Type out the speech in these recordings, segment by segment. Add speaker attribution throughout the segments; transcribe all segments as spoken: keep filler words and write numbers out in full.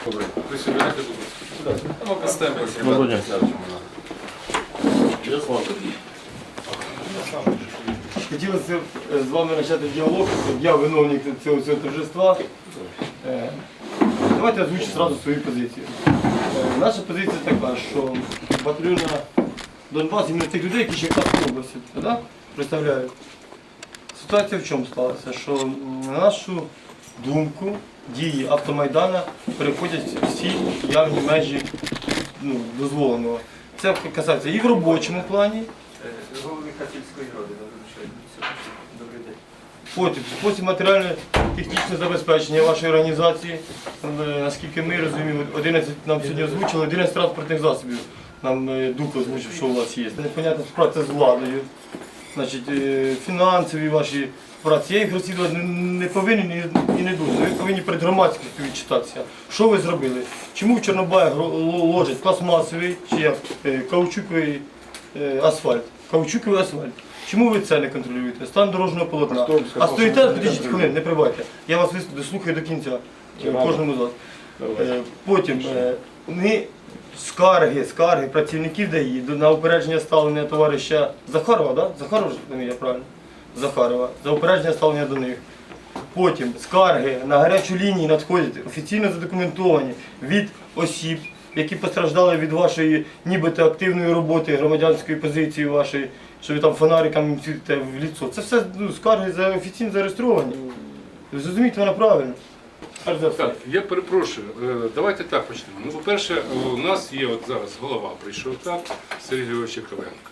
Speaker 1: Добре, присідайте, будь ласка. Ми поставимо ребята.
Speaker 2: Хотілося з вами почати діалог. Я виновник цього, цього торжества. Е, Давайте я озвучу одразу свою позицію. Е, Наша позиція така, що батальйон Донбас іменно тих людей, які Черкаської області да, представляють. Ситуація в чому сталася? Що на нашу думку дії автомайдана переходять всі явні межі ну, дозволеного. Це касається і в робочому плані.
Speaker 3: Голови Хатівської ради, добрий день.
Speaker 2: Потім, потім матеріально-технічне забезпечення вашої організації. Е, Наскільки ми розуміємо, одинадцять нам сьогодні озвучили, одинадцять транспортних засобів. Нам е, Дух озвучив, що у вас є. Непонятна співпраця з владою. Значить, е, фінансові ваші праці. Я їх розслідувати не, не повинен і, і не дуже. Ви повинні перед громадськістю відчитатися. Що ви зробили? Чому в Чорнобаях ложать пластмасовий чи як, е, каучуковий е, асфальт? Каучуковий асфальт. Чому ви це не контролюєте? Стан дорожнього полотна. А стоїте, підійдіть хвилин, не прибайте. Я вас дослухаю до кінця, кожному з вас. Е, Потім е, ми скарги, скарги працівників ДАІ на упередження ставлення товариша Захарова, да? Захарова ж я правильно? Захарова, за упередження ставлення до них. Потім скарги на гарячу лінію надходять офіційно задокументовані від осіб, які постраждали від вашої нібито активної роботи, громадянської позиції вашої, що ви там фонариками світите в ліцо. Це все ну, скарги за офіційно зареєстровані. Ви зрозумієте мене правильно. Перш за все.
Speaker 1: Так, я перепрошую, е, давайте так почнемо. Ну, по-перше, у нас є от зараз голова прийшов, так, Сергій Григорович Яковенко.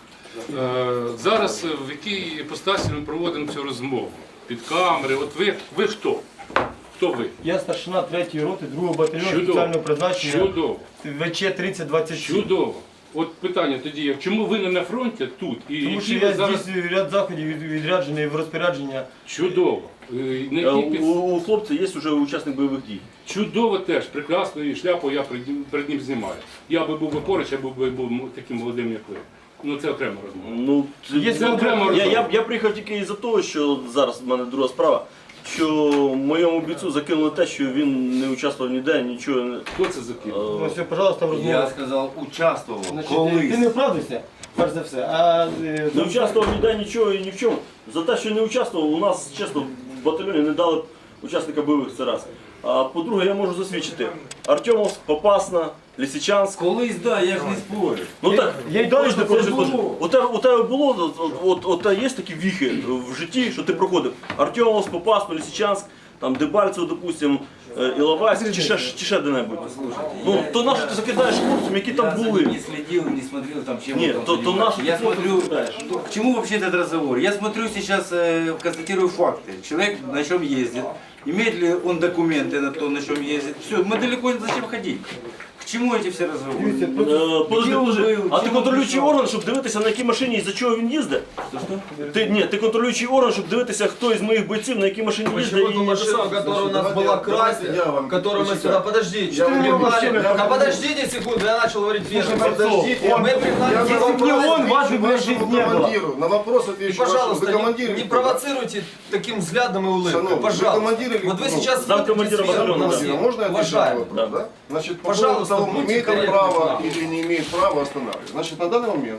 Speaker 1: Е, Зараз в якій іпостасі ми проводимо цю розмову? Під камери, от ви, ви хто? Хто ви?
Speaker 2: Я старшина третьої роти, другого батальйону
Speaker 1: Чудово.
Speaker 2: спеціального призначення
Speaker 1: Чудово.
Speaker 2: В Ч тридцять двадцять сім.
Speaker 1: Чудово. От питання тоді, як, чому ви не на фронті тут? І
Speaker 2: Тому
Speaker 1: які
Speaker 2: що
Speaker 1: ви
Speaker 2: я
Speaker 1: зараз...
Speaker 2: здійснюю ряд заходів від- відряджений в розпорядження.
Speaker 1: Чудово. Е, На
Speaker 4: Е,
Speaker 1: якій під...
Speaker 4: У, у хлопця є вже учасник бойових дій.
Speaker 1: Чудово теж, прекрасно, і шляпу я перед ним, перед ним знімаю. Я би був би поруч, я був би був таким молодим, як ви. Ну це окрема розмова.
Speaker 4: Ну, це-
Speaker 2: Є
Speaker 1: Це окрема
Speaker 4: я,
Speaker 1: розмова.
Speaker 4: я, я приїхав тільки із-за того, що зараз в мене друга справа, що моєму бійцю закинули те, що він не участвував ніде, нічого не.
Speaker 1: Хто це закинув?
Speaker 2: Ну, все, пожалуйста,
Speaker 3: Я
Speaker 2: розмова.
Speaker 3: сказав, участвував.
Speaker 2: Значить,
Speaker 3: Колись.
Speaker 2: ти не вправдився, перш за все. А, е,
Speaker 4: Не участвував ніде, нічого і ні в чому. За те, що не участвував, у нас, чесно, в батальйоні не дали учасника бойових, це раз. А по-друге, я можу засвідчити. Артемовськ, Попасна, Лисичанськ.
Speaker 3: Колись, да, я ж не спорю.
Speaker 4: Ну так,
Speaker 2: я й далі не
Speaker 4: це ж
Speaker 2: проходжу.
Speaker 4: теж. У тебе, у тебе було, от, от, от, от є такі віхи в житті, що ти проходив. Артемовськ, Попасну, Лисичанськ, там Дебальцево, допустим, е, Іловайськ, чи ще, чи ще де-небудь. Ну, то на що ти закидаєш хлопцям, які там
Speaker 3: Я за
Speaker 4: були?
Speaker 3: ним не следил, не смотрел там, чем
Speaker 4: Нет,
Speaker 3: он там
Speaker 4: то- то
Speaker 3: занимается.
Speaker 4: наш-
Speaker 3: Я
Speaker 4: ты
Speaker 3: смотрю,
Speaker 4: наблюдаешь.
Speaker 3: к чему вообще этот разговор? Я смотрю сейчас, э, констатирую факты. Человек на чем ездит, имеет ли он документы на то, на чем ездит. Все, мы далеко не зачем ходить. К чему эти все разговоры?
Speaker 2: Дивіться,
Speaker 4: Е,
Speaker 2: просто-
Speaker 4: Подожди,
Speaker 3: Де
Speaker 4: подожди.
Speaker 3: ви були?
Speaker 4: А ти
Speaker 3: Чим
Speaker 4: контролюючий
Speaker 3: ви
Speaker 4: орган, щоб дивитися, на якій машині і за чого він їздить? Ти, ні, ти контролюючий орган, щоб дивитися, хто із моїх бойців на якій машині їздить.
Speaker 5: Почему эту
Speaker 4: і-
Speaker 5: машину, которая у нас
Speaker 6: давайте-
Speaker 5: была
Speaker 6: давайте
Speaker 5: красная,
Speaker 6: я вам
Speaker 5: которую мы
Speaker 6: почитаю.
Speaker 5: сюда... Подождите,
Speaker 6: Я
Speaker 5: что
Speaker 6: вам
Speaker 5: вы
Speaker 6: не
Speaker 5: пригнали?
Speaker 6: машину, я
Speaker 5: А
Speaker 6: вам-
Speaker 5: подождите секунду, я начал говорить первым.
Speaker 6: Подождите,
Speaker 5: Мы пригнали
Speaker 6: я
Speaker 5: здесь
Speaker 6: на
Speaker 2: не
Speaker 6: вопрос
Speaker 2: он, вас
Speaker 6: отвечу
Speaker 2: бы
Speaker 6: вашему
Speaker 2: здесь не было.
Speaker 6: командиру. На вопрос
Speaker 5: И,
Speaker 6: отвечу вашему.
Speaker 5: пожалуйста,
Speaker 6: Вы командир
Speaker 5: не,
Speaker 6: или
Speaker 5: не
Speaker 6: кто?
Speaker 5: провоцируйте таким взглядом и улыбкой,
Speaker 6: Шановный, вы
Speaker 5: пожалуйста.
Speaker 6: командир или
Speaker 5: Вот вы
Speaker 6: кто?
Speaker 5: сейчас
Speaker 4: Зам
Speaker 5: смотрите
Speaker 4: командира
Speaker 5: сверху
Speaker 4: батальона,
Speaker 5: на
Speaker 4: да.
Speaker 5: всех.
Speaker 6: Можно я отвечу на
Speaker 5: Уважаемый.
Speaker 6: вопрос,
Speaker 4: Да.
Speaker 6: да? Значит, по
Speaker 5: Пожалуйста,
Speaker 6: поводу того,
Speaker 5: будьте
Speaker 6: имеет он
Speaker 5: корректны
Speaker 6: право
Speaker 5: к нам.
Speaker 6: или не имеет права останавливать. Значит, на данный момент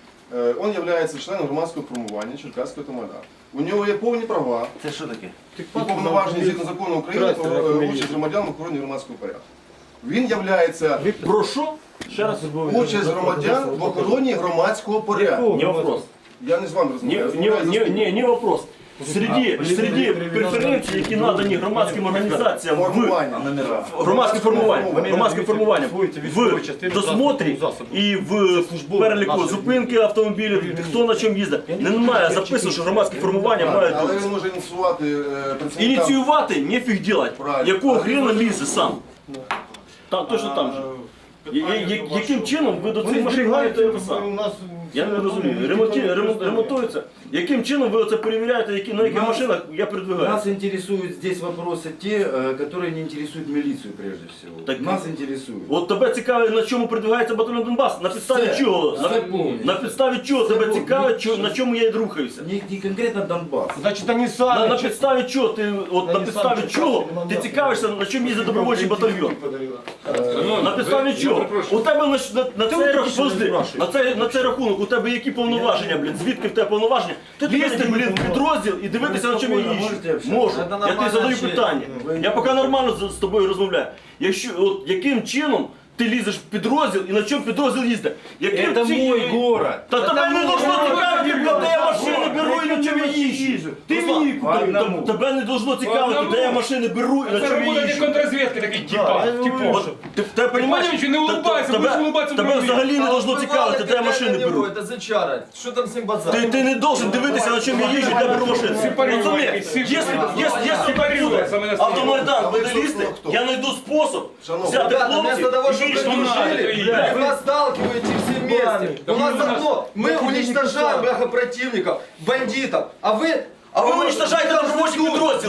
Speaker 6: э, он является членом громадського формування Черкаського ТМДА. У нього є повні права
Speaker 4: Це що таке?
Speaker 6: і повноваження згідно закону України про е, участь громадян в охороні громадського порядку. Він являється
Speaker 4: Про що? Ще раз.
Speaker 6: участь громадян в охороні громадського порядку.
Speaker 4: Не вопрос.
Speaker 6: Я не з вами
Speaker 4: Не,
Speaker 6: розмовляю.
Speaker 4: не, не, не, не вопрос. Серед, серед преференцій, які надані громадським організаціям в
Speaker 6: Формування.
Speaker 4: громадське формування,
Speaker 2: Вони
Speaker 4: громадське формування
Speaker 2: свої військові частини
Speaker 4: в досмотрі
Speaker 2: засобу.
Speaker 4: і в переліку
Speaker 2: наші.
Speaker 4: зупинки автомобілів, хто на чому їздить. Немає записано, що громадське формування має
Speaker 6: Але він може ініціювати е, працівникам.
Speaker 4: ініціювати, нефіг делать.
Speaker 6: Правильно.
Speaker 4: Якого
Speaker 6: А
Speaker 4: хрена
Speaker 6: він-
Speaker 4: лізе сам? Там, точно там же. Я- я- Яким чином ви до
Speaker 2: Вони
Speaker 4: цих машин маєте
Speaker 2: зберігають
Speaker 4: це
Speaker 2: у
Speaker 4: сам?
Speaker 2: нас
Speaker 4: Я не розумію. Ремонті, ремон- ремонтується. Яким чином ви оце перевіряєте, які, на яких
Speaker 3: Нас-
Speaker 4: машинах я передвигаюся?
Speaker 3: Нас интересуют здесь вопросы те, э, которые не интересуют милицию прежде всего.
Speaker 4: Так-
Speaker 3: Нас интересуют.
Speaker 4: От тебе цікавить, на чому передвигається батальйон Донбас? На підставі
Speaker 3: Все.
Speaker 4: чого? На,
Speaker 3: Все повністю.
Speaker 4: на підставі чого
Speaker 3: Все
Speaker 4: тебе
Speaker 3: повністю.
Speaker 4: цікавить, чо- на чому я рухаюся?
Speaker 3: Не, не конкретно Донбасс.
Speaker 2: Значить, вони
Speaker 4: На,
Speaker 2: самі.
Speaker 4: на підставі чого ти, от, на
Speaker 2: Вони
Speaker 4: підставі
Speaker 2: самі
Speaker 4: чого
Speaker 2: чекали,
Speaker 4: ти
Speaker 2: нема
Speaker 4: цікавишся, на чому їздить добровольчий батальйон?
Speaker 1: Шановні,
Speaker 4: На
Speaker 1: ви-
Speaker 4: підставі
Speaker 1: я
Speaker 4: чого?
Speaker 1: перепрошую.
Speaker 4: У тебе на, на, на,
Speaker 2: Ти
Speaker 4: цей,
Speaker 2: ви
Speaker 4: рах-
Speaker 2: точно не
Speaker 4: подожди,
Speaker 2: спрашуєш.
Speaker 4: на, цей, на цей рахунок у тебе які повноваження, блін? Звідки в тебе повноваження? Ти лізти, блін, в підрозділ і дивитися, на чому я
Speaker 3: спокійно
Speaker 4: їжджу.
Speaker 3: можете общатися?
Speaker 4: Можу.
Speaker 3: Це
Speaker 4: Я тобі
Speaker 3: нормальне
Speaker 4: задаю
Speaker 3: общення.
Speaker 4: питання.
Speaker 3: Ви-
Speaker 4: Я поки нормально з, з тобою розмовляю. Якщо, от, яким чином ти лізеш в підрозділ і на чому підрозділ їздить? Яким
Speaker 3: Это
Speaker 4: чи-
Speaker 3: мой город.
Speaker 4: Та тебе не должно цікавити, де я машини беру і на чому я їжджу.
Speaker 2: Ти
Speaker 4: Руслан,
Speaker 2: мені
Speaker 3: по одному.
Speaker 4: те- Тебе не должно цікавити,
Speaker 1: одному.
Speaker 4: де я машини беру і на
Speaker 1: Це
Speaker 4: чому я
Speaker 1: робота
Speaker 4: їжджу.
Speaker 1: контррозвідки такий, типа,
Speaker 2: я
Speaker 1: типу.
Speaker 2: говорю,
Speaker 4: От, ти, ти, понімаєш,
Speaker 1: Понимаешь, не
Speaker 4: Та-
Speaker 1: улыбайся,
Speaker 4: тебе-
Speaker 1: будеш улыбатися в
Speaker 4: Тебе
Speaker 1: другий.
Speaker 4: взагалі не
Speaker 5: А
Speaker 4: должно
Speaker 5: вот
Speaker 4: цікавити,
Speaker 5: бывало,
Speaker 4: де я
Speaker 5: когда
Speaker 4: машини
Speaker 5: на него
Speaker 4: беру.
Speaker 5: Это зачара. Что там с ним базар?
Speaker 4: Ти, ти не должен дивитися, на чому я їжджу, де я беру машини.
Speaker 1: Сепарювати,
Speaker 4: Розумієш? Якщо
Speaker 1: сепарювати.
Speaker 4: якщо- якщо
Speaker 1: Сепарювати,
Speaker 4: так
Speaker 1: саме
Speaker 4: буде,
Speaker 1: настояще.
Speaker 4: автомайдан
Speaker 6: А ви
Speaker 4: буде
Speaker 6: хто,
Speaker 4: лізти,
Speaker 6: хто, хто?
Speaker 4: я знайду спосіб
Speaker 6: Шановні.
Speaker 4: взяти
Speaker 5: Ребята,
Speaker 4: хлопців
Speaker 5: вместо того,
Speaker 4: і
Speaker 5: чтобы
Speaker 4: більше
Speaker 5: вы
Speaker 4: дружили.
Speaker 5: дружили,
Speaker 1: блядь.
Speaker 5: вы нас сталкиваете все вместе. У нас одно, мы уничтожаем бляха противников, бандитов, а вы...
Speaker 4: А ви уничтожаєте добровольчі підрозділи.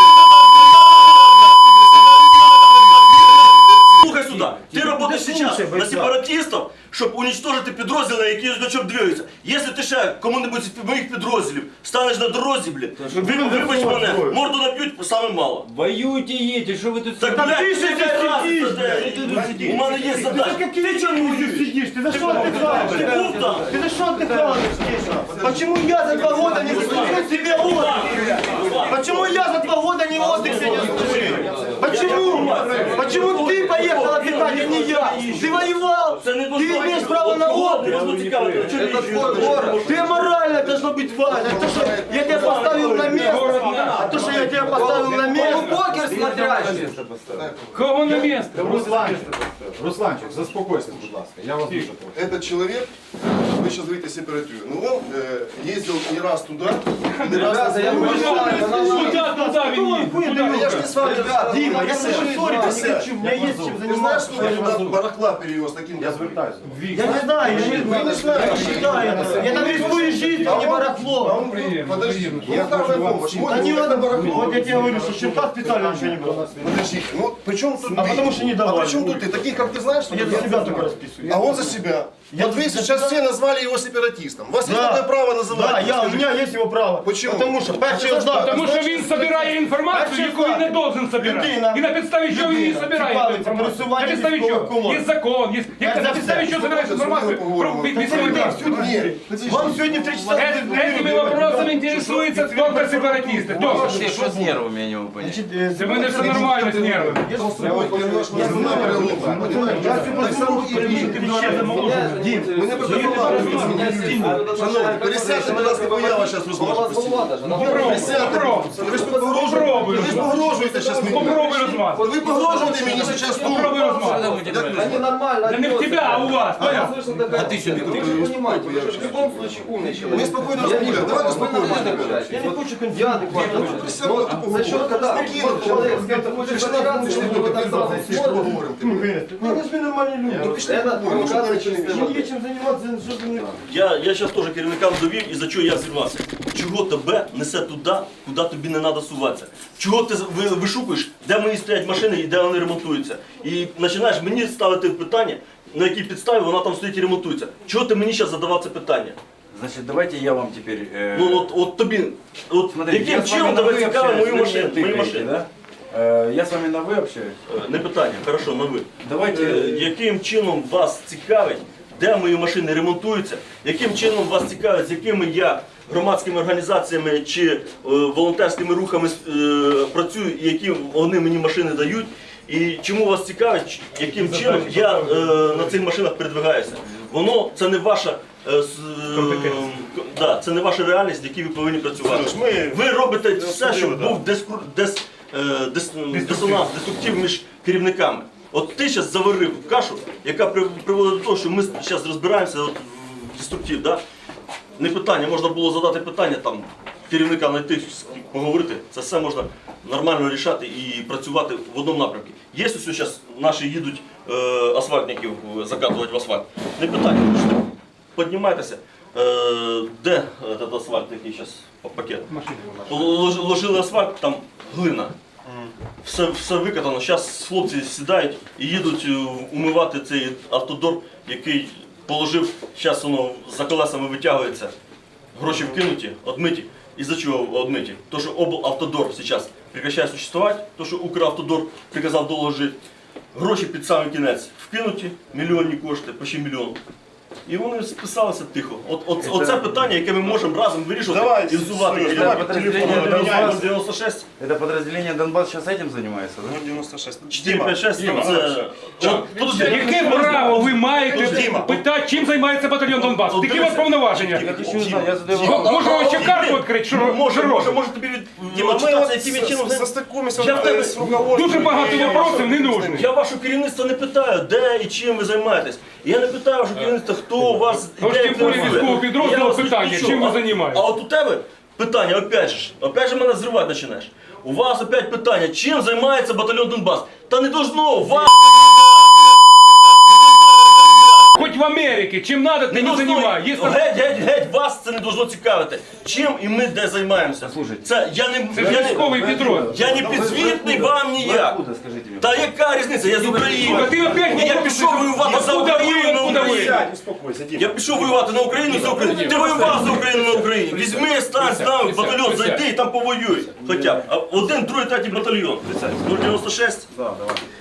Speaker 4: Слухай сюди, ти працюєш зараз на сепаратистів, щоб уничтожити підрозділи, які на чому двигаються. Якщо ти ще кому-небудь з моїх підрозділів станеш на дорозі, блін, ви- вибач мене, морду наб'ють саме мало.
Speaker 3: Воюйте, едете, что вы тут...
Speaker 4: Так,
Speaker 3: сидите?
Speaker 4: блядь,
Speaker 2: ти
Speaker 4: ти
Speaker 2: сидиш,
Speaker 4: сидиш, у мене є задача.
Speaker 2: Ти чого не сидиш? Ти за що отдыхаешь?
Speaker 4: Ти був там?
Speaker 2: Ты за что отдыхаешь здесь? Почему я за два года не заслужил себе отдых? Почему я за два года не отдых себе не заслужил? Почему? Почему ты поехал отдыхать, а не я? Ты воевал!
Speaker 4: Це не
Speaker 2: Ты имеешь право на
Speaker 4: Не
Speaker 2: отдых!
Speaker 4: должно цікавити, на чому я
Speaker 5: Это
Speaker 4: їжджу.
Speaker 5: твой город.
Speaker 2: Ты морально должно быть важно. То, что я тебя поставил на место, а то, что я тебя поставил на место.
Speaker 5: Покер смотрящий.
Speaker 1: Кого на місце?
Speaker 7: Русланчик, Русланчик, заспокойся, будь ласка. Я вас дуже прошу.
Speaker 6: Этот человек, вы сейчас говорите сепаратию, но он э, ездил не раз туда, и не раз на
Speaker 5: Ребята, я
Speaker 6: своем-
Speaker 5: понимаю, это нормально.
Speaker 1: Куда, куда він їде?
Speaker 6: Я ж не с вами
Speaker 5: Ребята,
Speaker 2: Дима, я
Speaker 6: Саша,
Speaker 2: слышу ссориться не хочу, у меня есть чем
Speaker 6: Ты знаешь,
Speaker 2: заниматься.
Speaker 6: что я туда барахла перевез таким
Speaker 7: Я
Speaker 6: как вы?
Speaker 7: звертаюся.
Speaker 2: Я не знаю, я не,
Speaker 6: Вы не знаете.
Speaker 2: считаю это. Я там рискую жизнью, а не
Speaker 6: А
Speaker 2: барахло.
Speaker 6: он,
Speaker 1: Приемно,
Speaker 6: подожди,
Speaker 1: приемно.
Speaker 6: ну какая помощь?
Speaker 2: Да
Speaker 6: Можно
Speaker 2: не
Speaker 6: вот это
Speaker 2: надо
Speaker 6: барахло.
Speaker 2: Вот я тебе говорю, что щенка специально ничего не было.
Speaker 6: Подожди, ну при чем тут
Speaker 2: А
Speaker 6: ты?
Speaker 2: потому что не
Speaker 6: А
Speaker 2: давали.
Speaker 6: при чем тут ты? Таких, как ты знаешь, что
Speaker 2: Я
Speaker 6: ли?
Speaker 2: за себя только расписываю.
Speaker 6: А он за себя.
Speaker 2: Я
Speaker 6: Вот вы
Speaker 2: за
Speaker 6: сейчас
Speaker 2: себя.
Speaker 6: все назвали его сепаратистом. У вас есть
Speaker 2: Да.
Speaker 6: такое право называть?
Speaker 2: Да,
Speaker 6: его?
Speaker 2: я, у
Speaker 6: Скажите.
Speaker 2: меня есть его право.
Speaker 6: Почему?
Speaker 2: Потому что перший
Speaker 6: А ти
Speaker 2: знак.
Speaker 1: Тому що він збирає інформацію,
Speaker 2: Перший
Speaker 1: яку він не
Speaker 2: факт.
Speaker 1: должен збирати.
Speaker 2: Людина.
Speaker 1: І на підставі чого він її
Speaker 2: Людина.
Speaker 1: збирає
Speaker 2: Цікавиться
Speaker 1: інформацію. На
Speaker 2: пересування
Speaker 1: підставі
Speaker 2: військових
Speaker 1: чого?
Speaker 2: колон.
Speaker 1: Є закон, є... Як
Speaker 2: за
Speaker 1: на підставі
Speaker 2: все.
Speaker 1: чого збираєш інформацію про військовий транспорт?
Speaker 6: Нет.
Speaker 2: Вам сегодня в три часа...
Speaker 1: Э- Этими вопросами интересуются только сепаратисты. Только.
Speaker 3: Что с нервами, я не могу понять.
Speaker 2: Значит, э,
Speaker 1: Це в мене все нормально з нервами.
Speaker 2: я же с
Speaker 6: Я
Speaker 2: тобой-
Speaker 6: вот немножко разговаривал.
Speaker 2: Я все позволю, перевірити два рази моложе. Дім,
Speaker 6: Ми не Шановні, пересядьте, будь ласка, бо я вас зараз розможу. Присядьте. Ви ж погрожуєте.
Speaker 1: Попробуй.
Speaker 6: Ви ж погрожуєте зараз мені.
Speaker 1: Попробуй розмазати.
Speaker 6: Ви погрожуєте мені зараз тут.
Speaker 1: Попробуй розмазати.
Speaker 5: Они нормально.
Speaker 1: Да не в тебя, а у вас. Понятно?
Speaker 3: А ты что,
Speaker 5: Вы же понимаете, вы же в любом случае умный человек.
Speaker 6: Ми спокійно розмовляємо. Давайте спокійно розмовляємо.
Speaker 2: я не хочу конфликт.
Speaker 5: Я адекватно.
Speaker 6: Присядьте, типу,
Speaker 5: За счет, когда
Speaker 6: спокійно.
Speaker 5: вот человек с кем-то хочет
Speaker 6: Пішли,
Speaker 5: разбираться,
Speaker 6: пішли,
Speaker 5: ему вот так сразу
Speaker 6: пішли,
Speaker 5: смотрит.
Speaker 6: поговоримо.
Speaker 2: Ну, ви ж ви нормальні люди.
Speaker 5: Это провокация чистая
Speaker 2: Мені є
Speaker 5: воды.
Speaker 2: чим займатися, що ти не...
Speaker 4: Я, я зараз теж керівникам довів і за чого я зірвався. Чого тебе несе туди, куди тобі не треба суватися? Чого ти ви- вишукуєш, де мої стоять машини і де вони ремонтуються? І починаєш мені ставити питання, на якій підставі вона там стоїть і ремонтується. Чого ти мені зараз задавав це питання?
Speaker 3: Значит, давайте я вам теперь... э,
Speaker 4: Ну от, от тобі, от
Speaker 3: смотрите,
Speaker 4: яким
Speaker 3: я с вами
Speaker 4: чином
Speaker 3: на
Speaker 4: тебе
Speaker 3: «вы»
Speaker 4: цікавить
Speaker 3: общаюсь,
Speaker 4: мою
Speaker 3: вы мне
Speaker 4: машину? Мої
Speaker 3: тыкаете,
Speaker 4: машини?
Speaker 3: да? Э, Я с вами на «вы» общаюсь.
Speaker 4: Е, Не питання, хорошо, на ви.
Speaker 3: Давайте...
Speaker 4: Е, Яким чином вас цікавить, де мої машини ремонтуються, яким чином вас цікавить, з якими я громадськими організаціями чи е, волонтерськими рухами е, працюю, і які вони мені машини дають, і чому вас цікавить, ч- яким чином я е, на цих машинах передвигаюся. Воно це не ваша е, с- е, к- да, це не ваша реальність, в якій ви повинні працювати.
Speaker 6: Ми
Speaker 4: Ви робите все, щоб був дискур, дес, е, дес, дисонанс, деструктив між керівниками. От ти зараз заварив кашу, яка при- приводить до того, що ми зараз розбираємося от в деструктив. Да? Не питання, можна було задати питання там керівника знайти, з ким поговорити. Це все можна нормально рішати і працювати в одному напрямку. Є ось зараз наші їдуть е, асфальтників закатувати в асфальт. Не питання. піднімайтеся. Е, Де этот асфальт, який зараз пакет? Лож- Ложили асфальт, там глина. Все, все викатано. Зараз хлопці сідають і їдуть е, умивати цей автодор, який положив, зараз воно за колесами витягується. Гроші вкинуті, одмиті. Із-за чого одмиті? То, що облавтодор зараз прекращає существувати, то, що Укравтодор приказав доложити. Гроші під самий кінець вкинуті, мільйонні кошти, почти мільйон. І вони списалися тихо. От, от, оце питання, яке ми можемо разом вирішувати
Speaker 6: Давай,
Speaker 4: і взувати.
Speaker 6: Сереж, давай по телефону обміняємося.
Speaker 4: дев'яносто шість,
Speaker 3: Это подразделение Донбасс сейчас этим занимается, да?
Speaker 6: дев'яносто шість.
Speaker 4: чотири п'ять шість,
Speaker 1: Діма.
Speaker 4: це... От, подожди,
Speaker 1: Яке право ви маєте
Speaker 6: Діма.
Speaker 1: питати, чим займається батальйон Донбас? Які у вас повноваження?
Speaker 3: Я хочу узнать, я задаю
Speaker 1: Мо-
Speaker 3: вопрос.
Speaker 1: Може вам ще карту відкрити, що
Speaker 4: Може, може,
Speaker 1: робите?
Speaker 4: може тобі від...
Speaker 6: Діма, ми
Speaker 4: читатися,
Speaker 6: от
Speaker 4: яким чином...
Speaker 6: застикуємося
Speaker 4: Я в тебе-
Speaker 6: з руководством.
Speaker 1: Дуже багато
Speaker 6: і-
Speaker 1: вопросів не нужно.
Speaker 4: Я ваше керівництво не питаю, де і чим ви займаєтесь. Я не питаю ваше керівництво, хто у вас
Speaker 1: Ну, ж
Speaker 4: де
Speaker 1: тим більше
Speaker 4: працює.
Speaker 1: військового підрозділу
Speaker 4: Я вас
Speaker 1: питання,
Speaker 4: відключу.
Speaker 1: чим ви
Speaker 4: А-
Speaker 1: займаєтесь?
Speaker 4: А от у тебе питання, опять же, опять же мене зривати починаєш. У вас опять питання, чим займається батальйон Донбас? Та не должно, вас
Speaker 1: Хоч в Америці, чим треба,
Speaker 4: не
Speaker 1: тим і
Speaker 4: должно,
Speaker 1: займає. Є там-
Speaker 4: геть, геть, геть, вас це не должно цікавити. Чим і ми де займаємося?
Speaker 3: Слушайте.
Speaker 4: Це я не,
Speaker 1: Це
Speaker 4: я
Speaker 1: ж
Speaker 4: не,
Speaker 1: військовий підрозділ.
Speaker 4: я не підзвітний вам
Speaker 3: Вы
Speaker 4: ніяк.
Speaker 3: откуда, скажите мне?
Speaker 4: Та яка різниця? Я з України.
Speaker 1: Слухай, ти опять
Speaker 4: Я
Speaker 1: вопроси
Speaker 4: пішов воювати за
Speaker 1: Откуда ви,
Speaker 4: Україну на
Speaker 1: откуда ви?
Speaker 4: Україну.
Speaker 6: Успокойся, Діма.
Speaker 4: Я пішов воювати на Україну за Україну. Ти воював за Україну на Україні. Візьми, стань з нами, в батальйон, зайди і там повоюй. Хоча б. А один, другий, третій батальйон. нуль дев'яносто шість.
Speaker 7: Да, давай.